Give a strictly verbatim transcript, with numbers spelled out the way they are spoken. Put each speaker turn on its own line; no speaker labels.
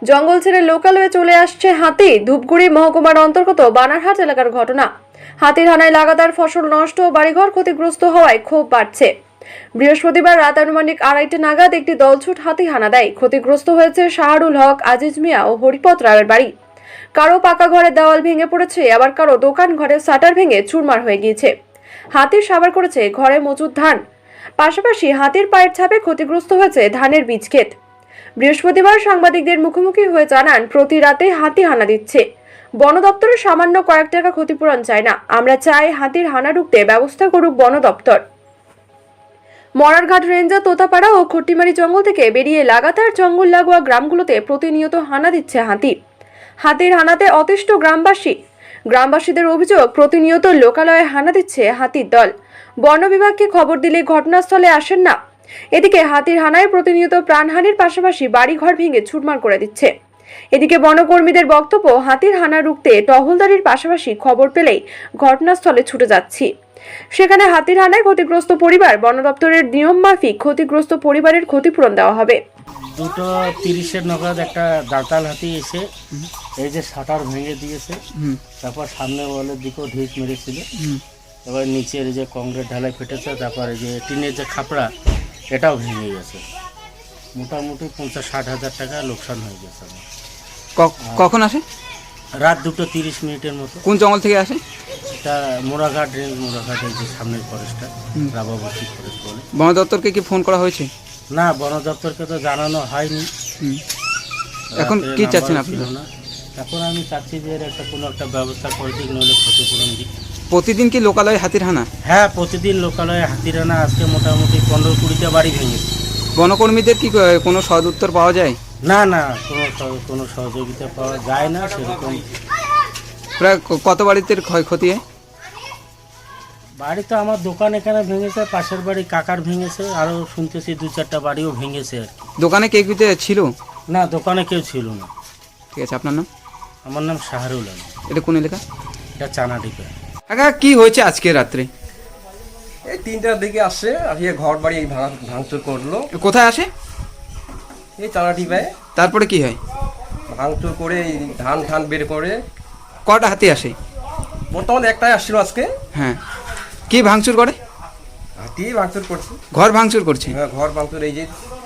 জঙ্গল ছেড়ে লোকালয়ে চলে আসছে হাতি। ধূপগুড়ি মহকুমার অন্তর্গত বানারহাট এলাকার ঘটনা। হাতির হানায় লাগাতার ফসল নষ্ট ও বাড়িঘর ক্ষতিগ্রস্ত হওয়ায় ক্ষোভ বাড়ছে। বৃহস্পতিবার রাত আনুমানিক আড়াইটে নাগাদ একটি দলছুট হাতি হানা দেয়। ক্ষতিগ্রস্ত হয়েছে শাহরুল হক, আজিজ মিয়া ও হরিপদ রায়ের বাড়ি। কারো পাকা ঘরের দেওয়াল ভেঙে পড়েছে, আবার কারো দোকান ঘরের শাটার ভেঙে চুরমার হয়ে গিয়েছে। হাতির সাবার করেছে ঘরে মজুদ ধান। পাশাপাশি হাতির পায়ের ছাপে ক্ষতিগ্রস্ত হয়েছে ধানের বীজ ক্ষেত। বৃহস্পতিবার সাংবাদিকদের মুখোমুখি হয়ে জানান, প্রতি রাতে হাতি হানা দিচ্ছে। বন দপ্তরের সামান্য কয়েক টাকা ক্ষতিপূরণ চায় না, আমরা চাই হাতির হানা রুখতে ব্যবস্থা করুক বন দপ্তর। মরারঘাট রেঞ্জার তোতাপাড়া ও খট্টিমারি জঙ্গল থেকে বেরিয়ে লাগাতার জঙ্গল লাগোয়া গ্রামগুলোতে প্রতিনিয়ত হানা দিচ্ছে হাতি। হাতির হানাতে অতিষ্ঠ গ্রামবাসী। গ্রামবাসীদের অভিযোগ, প্রতিনিয়ত লোকালয়ে হানা দিচ্ছে হাতির দল। বন বিভাগকে খবর দিলে ঘটনাস্থলে আসেন না। এদিকে হাতির হানায় প্রতিনিয়ত প্রাণহানির পাশাপাশি বাড়িঘর ভেঙে ছুটমার করে দিচ্ছে। এদিকে বনকর্মীদের বক্তব্য, হাতির হানা রুখতে টহলদারির পাশাপাশি খবর পেলেই ঘটনাস্থলে ছুটে যাচ্ছি। সেখানে হাতির হানায় ক্ষতিগ্রস্ত পরিবার, বন দপ্তরের নিয়ম মাফিক ক্ষতিগ্রস্ত পরিবারের ক্ষতিপূরণ দেওয়া হবে।
দুটো তিরিশের নগদ একটা দাঁতাল হাতি এসে এই যে শাটার ভেঙে দিয়েছে, তারপর সামনে ওয়ালের দিকেও ঢিস মেরেছিল, এবার নিচের যে কংক্রিট ঢালাই ফেটেছে, তারপর এই যে টিনের যে খাপড়া এটাও ভেঙে গেছে। মোটামুটি পঞ্চাশ ষাট হাজার টাকা লোকসান হয়ে গেছে আমার।
কখন আসে?
রাত দুটো তিরিশ মিনিটের মতো।
কোন জঙ্গল থেকে আসে?
এটা মোরাঘাট রেঞ্জ, মোরাঘাটের যে সামনের ফরেস্টটা রাবাবতী ফরেস্ট বলে।
বন দপ্তরকে কি ফোন করা হয়েছে?
না, বন দপ্তরকে তো জানানো হয়নি।
এখন কি চাচ্ছেন আপনি?
না, এখন আমি চাচ্ছি যে এর একটা কোনো একটা ব্যবস্থা করে দিক, নইলে ক্ষতিপূরণ দিক।
প্রতিদিন কি লোকালয়ে হাতির হানা?
হ্যাঁ, প্রতিদিন লোকালয়ে হাতির হানা। আজকে মোটামুটি পনেরো কুড়িটা বাড়ি ভেঙেছে।
বনকর্মীদের কি কোনো সদ উত্তর পাওয়া যায়?
না না, কোনো কোনো সহযোগিতা পাওয়া যায় না সেরকম।
প্রায় কত বাড়িতে ক্ষয়ক্ষতি হয়?
বাড়ি তো আমার দোকান এখানে ভেঙেছে, পাশের বাড়ি কাকার ভেঙেছে, আরও শুনতেছি দু চারটা বাড়িও ভেঙেছে আর কি।
দোকানে কে কিতে ছিল?
না, দোকানে কেউ ছিল না।
ঠিক আছে, আপনার নাম?
আমার নাম শাহরুল আলম।
এটা কোন এলাকা?
এটা চানাডিপা।
কাকা, কি হয়েছে আজকে রাত্রে?
এই তিনটার দিকে আসছে, আসিয়ে ঘর বাড়ি ভাঙা ভাঙচুর করলো।
কোথায় আসে?
এই চালাটিপায়
তারপরে কি হয়?
ভাঙচুর করে এই ধান ধান বের করে।
কটা হাতি আসে?
বর্তমানে একটাই আসছিল আজকে।
হ্যাঁ, কি ভাঙচুর করে?
হাতি ভাঙচুর করছে।
ঘর ভাঙচুর করছে?
হ্যাঁ, ঘর ভাঙচুর। এই যে